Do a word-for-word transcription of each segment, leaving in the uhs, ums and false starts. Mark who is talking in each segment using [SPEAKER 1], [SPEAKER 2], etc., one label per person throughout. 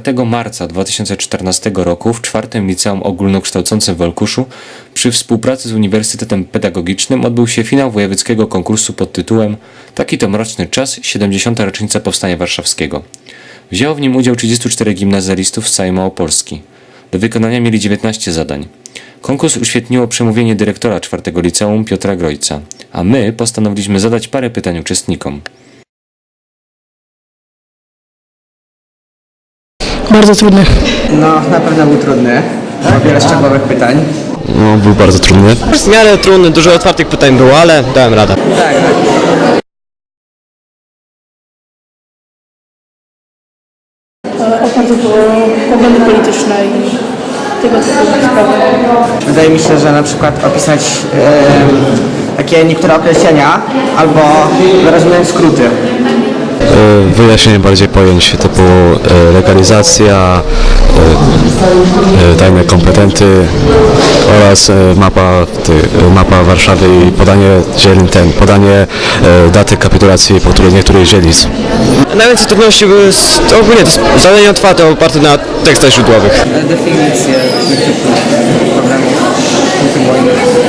[SPEAKER 1] czwartego marca dwa tysiące czternastego roku w czwartym Liceum Ogólnokształcącym w Olkuszu przy współpracy z Uniwersytetem Pedagogicznym odbył się finał wojewódzkiego konkursu pod tytułem Taki to mroczny czas, siedemdziesiąta rocznica Powstania Warszawskiego. Wzięło w nim udział trzydziestu czterech gimnazjalistów z całej Małopolski. Do wykonania mieli dziewiętnaście zadań. Konkurs uświetniło przemówienie dyrektora czwartego Liceum Piotra Grojca, a my postanowiliśmy zadać parę pytań uczestnikom.
[SPEAKER 2] Bardzo trudny.
[SPEAKER 3] No, na pewno był trudny. Było wiele szczegółowych pytań.
[SPEAKER 4] No, był bardzo trudny. W miarę trudny, dużo otwartych pytań było, ale dałem radę.
[SPEAKER 3] Tak,
[SPEAKER 2] Oparty było poglądy polityczne i tego typu sprawy.
[SPEAKER 3] wydaje mi się, że na przykład opisać e, takie niektóre określenia albo wyrażone skróty.
[SPEAKER 4] Wyjaśnienie bardziej pojęć typu legalizacja, tajne kompetenty oraz mapa, mapa Warszawy i podanie dzielin, ten, podanie daty kapitulacji po której niektórych dzielnic. Najwięcej trudności były z, ogólnie to zadania otwarte oparte na tekstach źródłowych.
[SPEAKER 3] Definicje problemów, punkty wojny.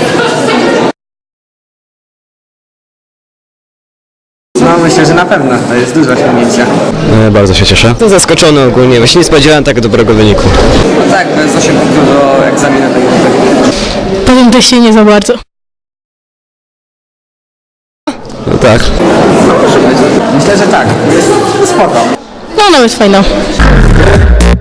[SPEAKER 3] No, myślę, że na pewno to jest duże osiągnięcie.
[SPEAKER 4] Bardzo się cieszę. Jestem zaskoczony ogólnie, właśnie nie spodziewałem tak dobrego wyniku.
[SPEAKER 3] No tak, bez osiem punktów do egzaminu tego.
[SPEAKER 2] Po tym teście nie za bardzo.
[SPEAKER 4] No tak.
[SPEAKER 3] No, może być. Myślę, że tak. Jest spoko.
[SPEAKER 2] No nawet fajna.